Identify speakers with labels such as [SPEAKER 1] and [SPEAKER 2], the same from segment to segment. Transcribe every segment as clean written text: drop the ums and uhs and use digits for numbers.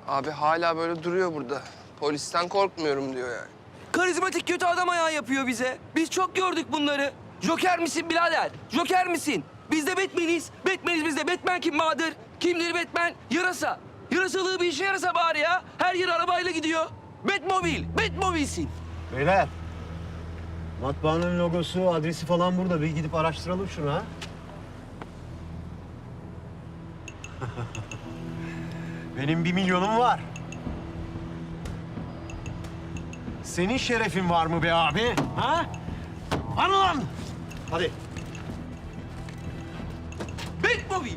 [SPEAKER 1] Abi hala böyle duruyor burada. Polisten korkmuyorum diyor yani.
[SPEAKER 2] Karizmatik kötü adam ayağı yapıyor bize. Biz çok gördük bunları. Joker misin birader? Joker misin? Biz de Batman'iz. Batman'iz biz de. Batman kim Bahadır? Kimdir Batman? Yarasa. Yarasalığı bir işe yarasa bari ya. Her yer arabayla gidiyor. Batmobil. Batmobil'sin.
[SPEAKER 3] Beyler, matbaanın logosu, adresi falan burada. Bir gidip araştıralım şunu ha. Benim 1 milyonum var. Senin şerefin var mı be abi? Ha? Var mı lan? Hadi.
[SPEAKER 2] Batmobil.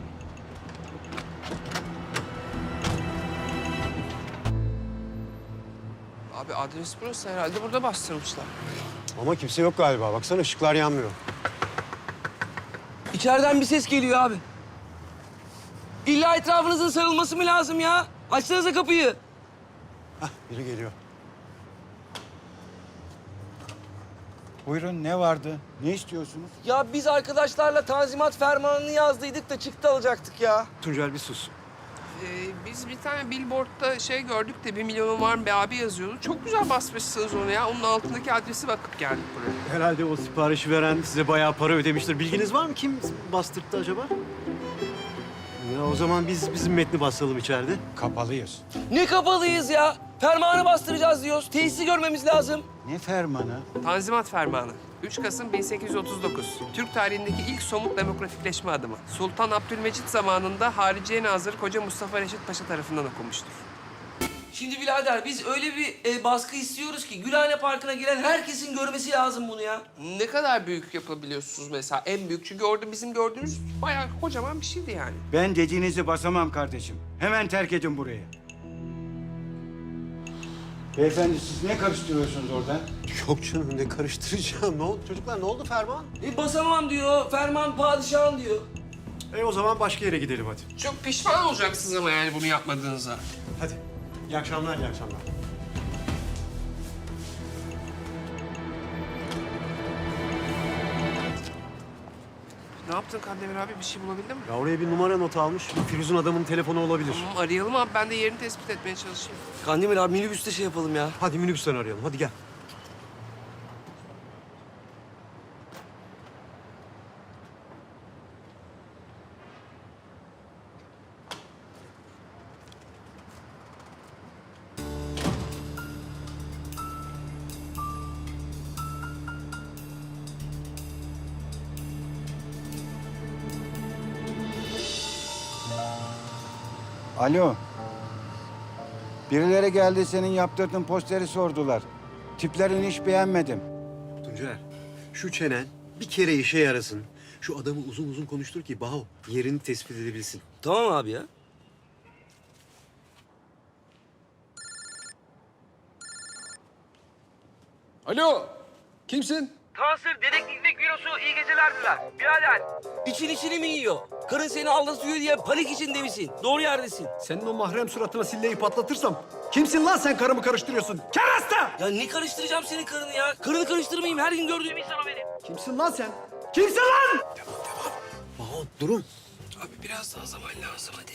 [SPEAKER 1] Abi adres burası herhalde burada bastırmışlar.
[SPEAKER 3] Ama kimse yok galiba. Baksana ışıklar yanmıyor.
[SPEAKER 2] İçeriden bir ses geliyor abi. İlla etrafınızın sarılması mı lazım ya? Açsanıza kapıyı.
[SPEAKER 3] Hah, biri geliyor.
[SPEAKER 4] Buyurun, ne vardı? Ne istiyorsunuz?
[SPEAKER 2] Ya biz arkadaşlarla tanzimat fermanını yazdıydık da çıktı alacaktık ya.
[SPEAKER 3] Tuncel bir sus.
[SPEAKER 1] Biz bir tane billboardda şey gördük de 1 milyonum var mı be abi yazıyordu. Çok güzel basmışsınız onu ya. Onun altındaki adresi bakıp geldik buraya.
[SPEAKER 3] Herhalde o siparişi veren size bayağı para ödemiştir. Bilginiz var mı? Kim bastırttı acaba? Ya o zaman bizim metni basalım içeride.
[SPEAKER 4] Kapalıyız.
[SPEAKER 2] Ne kapalıyız ya? Fermanı bastıracağız diyoruz. Tesisi görmemiz lazım.
[SPEAKER 4] Ne fermanı?
[SPEAKER 1] Tanzimat Fermanı. 3 Kasım 1839. Türk tarihindeki ilk somut demokratikleşme adımı. Sultan Abdülmecit zamanında Hariciye Nazırı Koca Mustafa Reşit Paşa tarafından okunmuştur.
[SPEAKER 2] Şimdi birader biz öyle bir baskı istiyoruz ki Gülhane Parkı'na gelen herkesin görmesi lazım bunu ya.
[SPEAKER 1] Ne kadar büyük yapabiliyorsunuz mesela? En büyük çünkü orada bizim gördüğümüz bayağı kocaman bir şeydi yani.
[SPEAKER 4] Ben dediğinizi basamam kardeşim. Hemen terk edin burayı. Beyefendi siz ne karıştırıyorsunuz orada?
[SPEAKER 3] Yok canım ne karıştıracağım. Ne oldu çocuklar? Ne oldu Ferman?
[SPEAKER 2] Basamam diyor, ferman padişahın diyor.
[SPEAKER 3] O zaman başka yere gidelim hadi.
[SPEAKER 1] Çok pişman olacaksınız ama yani bunu yapmadığınıza.
[SPEAKER 3] Hadi. İyi akşamlar, iyi akşamlar.
[SPEAKER 1] Ne yaptın Kandemir abi? Bir şey bulabildin mi?
[SPEAKER 3] Ya oraya bir numara not almış. Firuz'un adamın telefonu olabilir.
[SPEAKER 1] Tamam arayalım abi. Ben de yerini tespit etmeye çalışayım.
[SPEAKER 2] Kandemir abi minibüste şey yapalım ya.
[SPEAKER 3] Hadi minibüsten arayalım. Hadi gel.
[SPEAKER 4] Alo. Birileri geldi, senin yaptırdığın posteri sordular. Tiplerini hiç beğenmedim.
[SPEAKER 3] Tuncer, şu çenen bir kere işe yarasın. Şu adamı uzun uzun konuştur ki Baho yerini tespit edebilsin.
[SPEAKER 2] Tamam abi ya.
[SPEAKER 5] Alo, kimsin?
[SPEAKER 2] Kansır, dedektiflik bürosu iyi geceler diler. Birader. İçin içini mi yiyor? Karın seni aldatıyor diye panik içinde misin? Doğru yerdesin.
[SPEAKER 3] Senin o mahrem suratına silleyi patlatırsam kimsin lan sen karımı karıştırıyorsun? Kerasta!
[SPEAKER 2] Ya ne karıştıracağım senin karını ya? Karını karıştırmayayım. Her gün gördüğüm insan o benim.
[SPEAKER 3] Kimsin lan sen? Kimsin lan? Baho durun.
[SPEAKER 1] Abi biraz daha zaman lazım hadi.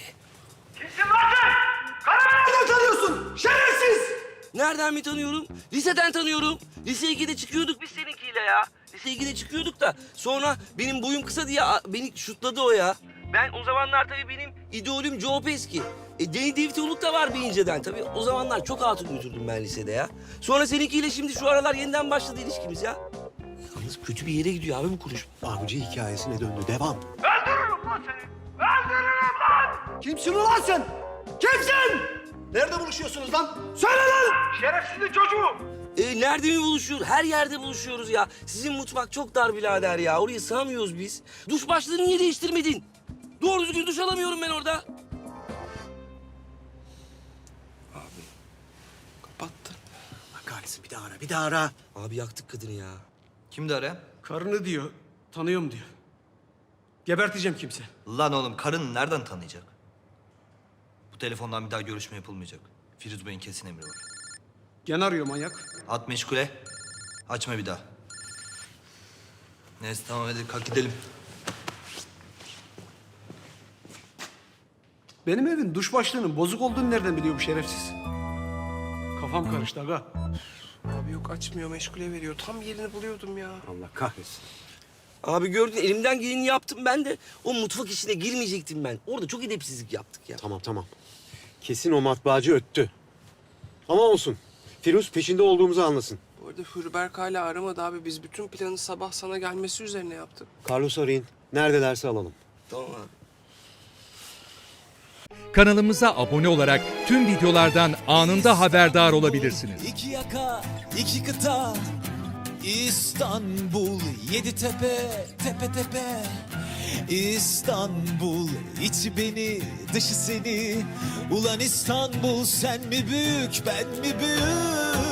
[SPEAKER 3] Nereden tanıyorsun? Şerefsiz!
[SPEAKER 2] Nereden mi tanıyorum? Liseden tanıyorum. Lise 2'de çıkıyorduk biz seninkiyle ya. Lise 2'de çıkıyorduk da sonra benim boyum kısa diye beni şutladı o ya. Ben o zamanlar tabii benim idolüm Joe Pesci. Danny DeVito'luk da var bir inceden. Tabii o zamanlar çok hatun götürdüm ben lisede ya. Sonra seninkiyle şimdi şu aralar yeniden başladı ilişkimiz ya. Yalnız kötü bir yere gidiyor abi bu konuşma.
[SPEAKER 3] Avcı hikayesine döndü. Devam.
[SPEAKER 6] Öldürürüm lan seni! Öldürürüm lan!
[SPEAKER 3] Kimsin ulan sen? Kimsin? Nerede buluşuyorsunuz lan? Söyle lan!
[SPEAKER 6] Şerefsizin çocuğu!
[SPEAKER 2] Nerede mi buluşuyoruz? Her yerde buluşuyoruz ya. Sizin mutfak çok dar birader ya. Oraya sığamıyoruz biz. Duş başlığını niye değiştirmedin? Doğru düzgün duş alamıyorum ben orada.
[SPEAKER 1] Kapattı.
[SPEAKER 3] Allah kahretsin bir daha ara, bir daha ara.
[SPEAKER 2] Abi yaktık kadını ya.
[SPEAKER 7] Kimdi arayan?
[SPEAKER 8] Karını diyor, tanıyorum diyor. Geberteceğim kimse.
[SPEAKER 7] Lan oğlum karın nereden tanıyacak? Bu telefondan bir daha görüşme yapılmayacak. Firuz Bey'in kesin emri var.
[SPEAKER 8] Gene arıyor manyak.
[SPEAKER 7] At meşgule. Açma bir daha. Neyse tamam hadi kalk gidelim.
[SPEAKER 8] Benim evin duş başlığının bozuk olduğunu nereden biliyor bu şerefsiz? Kafam karıştı aga.
[SPEAKER 1] Abi yok açmıyor, meşgule veriyor. Tam yerini buluyordum ya.
[SPEAKER 3] Allah kahretsin.
[SPEAKER 2] Abi gördün elimden geleni yaptım ben de. O mutfak işine girmeyecektim ben. Orada çok edepsizlik yaptık ya.
[SPEAKER 3] Tamam. Kesin o matbaacı öttü. Ama olsun. Firuz peşinde olduğumuzu anlasın.
[SPEAKER 1] Bu arada Hürberk hala aramadı abi. Biz bütün planı sabah sana gelmesi üzerine yaptık.
[SPEAKER 3] Carlos arayın. Neredelerse alalım.
[SPEAKER 2] Tamam abi.
[SPEAKER 9] Kanalımıza abone olarak tüm videolardan anında haberdar olabilirsiniz.
[SPEAKER 10] İki yaka, iki kıta, İstanbul, yedi tepe, tepe tepe. İstanbul, içi beni, dışı seni. Ulan İstanbul, sen mi büyük, ben mi büyük?